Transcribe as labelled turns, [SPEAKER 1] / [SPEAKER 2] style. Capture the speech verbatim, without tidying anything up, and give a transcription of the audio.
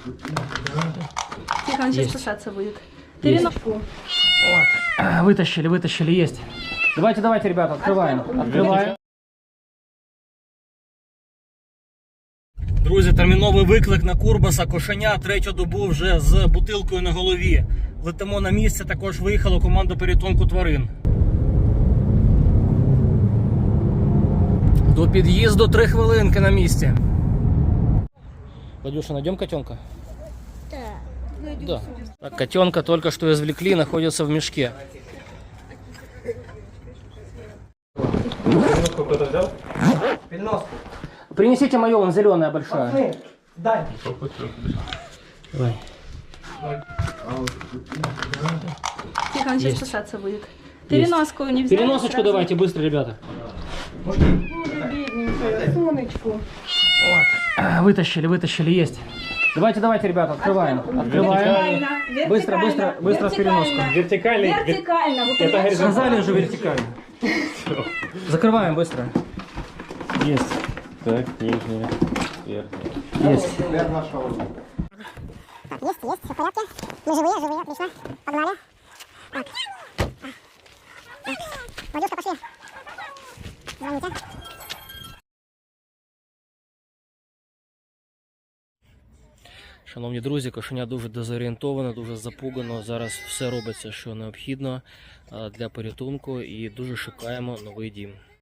[SPEAKER 1] Тихо, он сейчас кусаться будет. Переноску.
[SPEAKER 2] Вот. Вытащили, вытащили, есть. Давайте, давайте, ребята, открываем. Открываем. Друзі, терміновий виклик на Курбаса. Кошеня третю добу вже з бутилкою на голові. Летимо на місце, також виїхала команда порятунку тварин. До під'їзду три хвилинки на місці. Владюша, найдем котенка? Да. Да. Так, котенка только что извлекли, находится в мешке.
[SPEAKER 3] Переноску кто-то взял?
[SPEAKER 2] Переноску. Принесите мою, вон зеленая большая. Пацаны, дай. Давай.
[SPEAKER 1] Тихо, он сейчас кусаться будет. Переноску не взяли.
[SPEAKER 2] Переносочку
[SPEAKER 1] сразу.
[SPEAKER 2] давайте, быстро, ребята.
[SPEAKER 1] Бедненькая, сонечку.
[SPEAKER 2] Вот. Вытащили, вытащили, есть. Давайте, давайте, ребята, открываем. Открываем.
[SPEAKER 1] Вертикально,
[SPEAKER 2] Быстро, быстро, быстро с переноской.
[SPEAKER 3] Вертикальный.
[SPEAKER 1] Вертикально. Вот
[SPEAKER 3] Это
[SPEAKER 1] понимаешь?
[SPEAKER 2] Сказали же вертикально. Закрываем быстро. Есть.
[SPEAKER 3] Так, нижняя, верхняя.
[SPEAKER 2] Есть.
[SPEAKER 4] Есть, есть, все в порядке. Мы живые, живые, отлично. Погнали. Так. Так. Владюшка, пошли. Звоните.
[SPEAKER 2] Шановні друзі, кошеня дуже дезорієнтовано, дуже запугано. Зараз все робиться, що необхідно для порятунку, і дуже шукаємо новий дім.